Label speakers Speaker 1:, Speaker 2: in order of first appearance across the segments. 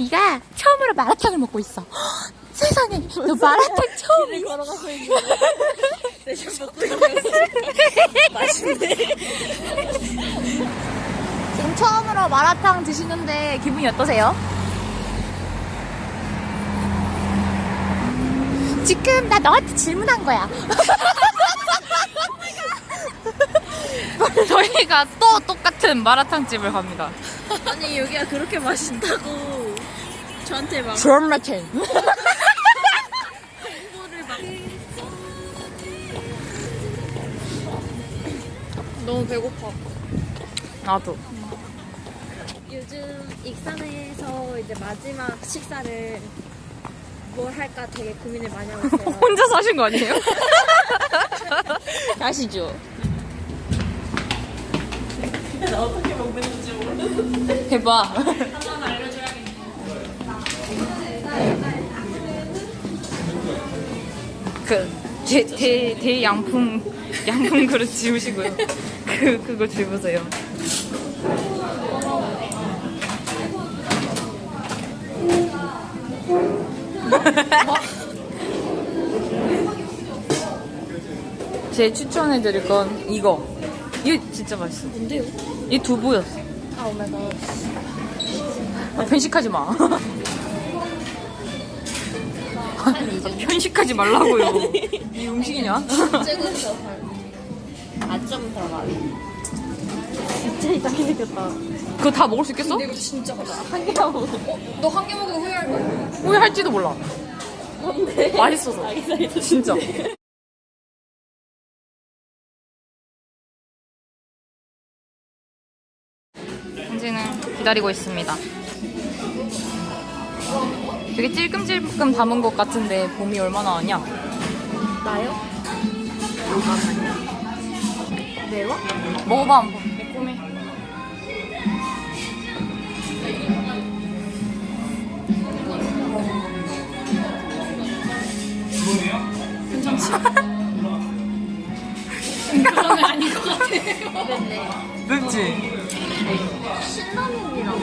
Speaker 1: 네가 처음으로 마라탕을 먹고 있어. 헉, 세상에, 너 마라탕 처음이야.
Speaker 2: 걸어가고 있는데 내심 먹고 있는 맛있네.
Speaker 1: 지금 처음으로 마라탕 드시는데 기분이 어떠세요? 지금 나 너한테 질문한 거야.
Speaker 3: 저희가 또 똑같은 마라탕 집을 갑니다.
Speaker 2: 아니 여기가 그렇게 맛있다고 저한테 막
Speaker 1: 마라탕.
Speaker 2: 홍보를 막.
Speaker 3: 너무 배고파. 나도.
Speaker 2: 요즘 익산에서 이제 마지막 식사를 뭘 할까 되게 고민을 많이 하고 있어요.
Speaker 3: 혼자 사신 거 아니에요?
Speaker 1: 가시죠.
Speaker 2: 나 어떻게 먹는지 모르는데.
Speaker 3: 해봐.
Speaker 2: 한번 알려줘야겠네.
Speaker 3: 양품 그릇 지우시고요. 그거 집으세요. 제 추천해드릴 건 이거. 이거 진짜 맛있어.
Speaker 2: 뭔데요?
Speaker 3: 이 두부였어.
Speaker 2: 아 오메가.
Speaker 3: 편식하지 마. 편식하지 말라고요. 이 음식이냐?
Speaker 2: 쬐고서 아점 들어가. 진짜 이상하게 생겼다.
Speaker 3: 그거 다 먹을 수 있겠어?
Speaker 2: 이거 진짜 맛있어. 한 개만 먹어.
Speaker 3: 너 한 개 먹으면 후회할 거야. 후회할지도 몰라.
Speaker 2: 뭔데?
Speaker 3: 맛있어서. 진짜. 현지는 기다리고 있습니다. 되게 찔끔찔끔 담은 것 같은데 봄이 얼마나 하냐?
Speaker 2: 나요? 잠깐만요. 매워?
Speaker 3: 먹어봐 한번. 매콤해. 괜찮지? 그런 거 아닌 것 같아.
Speaker 2: 맵네.
Speaker 3: 맵지?
Speaker 2: 신라면이랑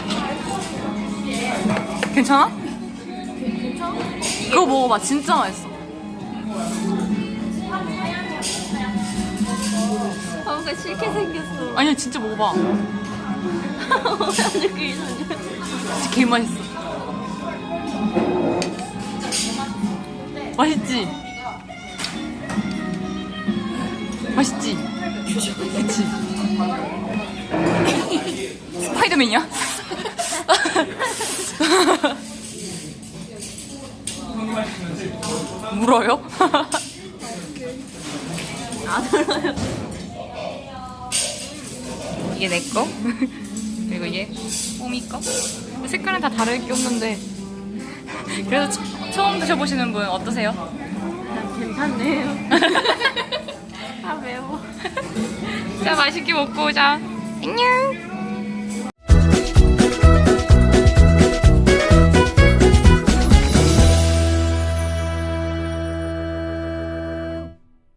Speaker 3: 괜찮아? 그거 먹어봐. 진짜 맛있어.
Speaker 2: 뭔가 싫게 생겼어.
Speaker 3: 아니야 진짜 먹어봐.
Speaker 2: 완전 그 이상해.
Speaker 3: 진짜 개 맛있어. 맛있지? 맛있지? 그치? 스파이더맨이야? 물어요?
Speaker 2: 안 알아요.
Speaker 3: 이게 내 거, 그리고 얘 뽀미 거. 색깔은 다 다를 게 없는데 그래도 처음 드셔보시는 분 어떠세요?
Speaker 2: 괜찮네요. 아 매워.
Speaker 3: 자 맛있게 먹고 오자. 안녕.